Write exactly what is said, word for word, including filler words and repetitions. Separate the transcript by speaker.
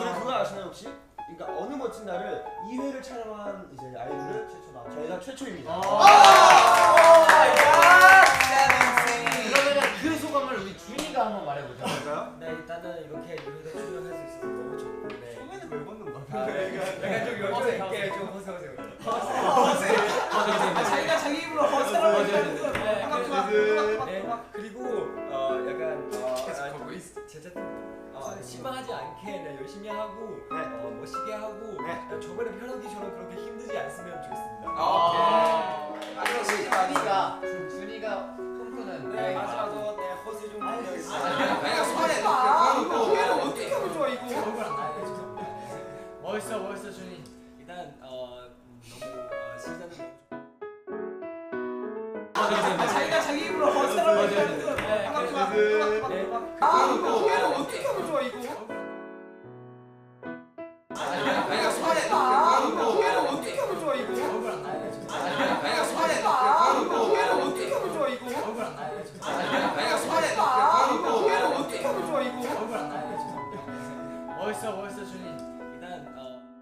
Speaker 1: 그리고 그거 아시나요 혹시? 그러니까 어느 멋진 날을 이 회를 촬영한 이제 아이돌을 최초 나 저희가 최초입니다.
Speaker 2: 그러면 그 소감을 우리 준이가 한번 말해보자.
Speaker 1: 그럴까요?
Speaker 3: 네, 일단은 이렇게 유희대 출연할 수 있어서 너무 좋고. 네.
Speaker 1: 소매는 왜 벗는 거야?
Speaker 3: 아, 네. 약간 좀 여자 있게 좀 허세허세.
Speaker 1: 아, 자기가 자기 입으로 허세라고
Speaker 3: 하죠.
Speaker 1: 네.
Speaker 3: 네. 그리고 어 약간 어 제자들 어, 실망하지 않게 네, 열심히 하고
Speaker 1: 네.
Speaker 3: 어, 멋있게 하고
Speaker 1: 네.
Speaker 3: 저번에 편하기처럼 그렇게 힘들지 않으면 좋겠습니다.
Speaker 2: 아,
Speaker 1: 아,
Speaker 2: 준이가 준이가 꿈꾸는
Speaker 3: 네, 마지막으로 네, 허세 좀 부탁드리겠습니다.
Speaker 1: 내가 소매 소매를 어떻게 하면 좋아 이거?
Speaker 3: 얼굴 안 나요. 죄송합니다.
Speaker 2: 멋있어 멋있어 준이.
Speaker 3: 일단 어 너무 어, 시작은
Speaker 1: 자기가 자기 입으로 허세라고
Speaker 3: 네,
Speaker 1: 네.
Speaker 3: 네.
Speaker 1: 소매를 어떻게 하면 좋아 이거? 내가 소매 소매를 어떻게 하면 좋아 이거?
Speaker 3: 얼굴 안 나요. 죄송합니다.
Speaker 1: 내가 소매 소매를 어떻게 하면 좋아 이거?
Speaker 3: 얼굴 안 나요. 죄송합니다.
Speaker 1: 내가 소매 소매를 어떻게 하면 좋아 이거?
Speaker 3: 얼굴 안 나요. 죄송합니다.
Speaker 2: 멋있어 멋있어 준이.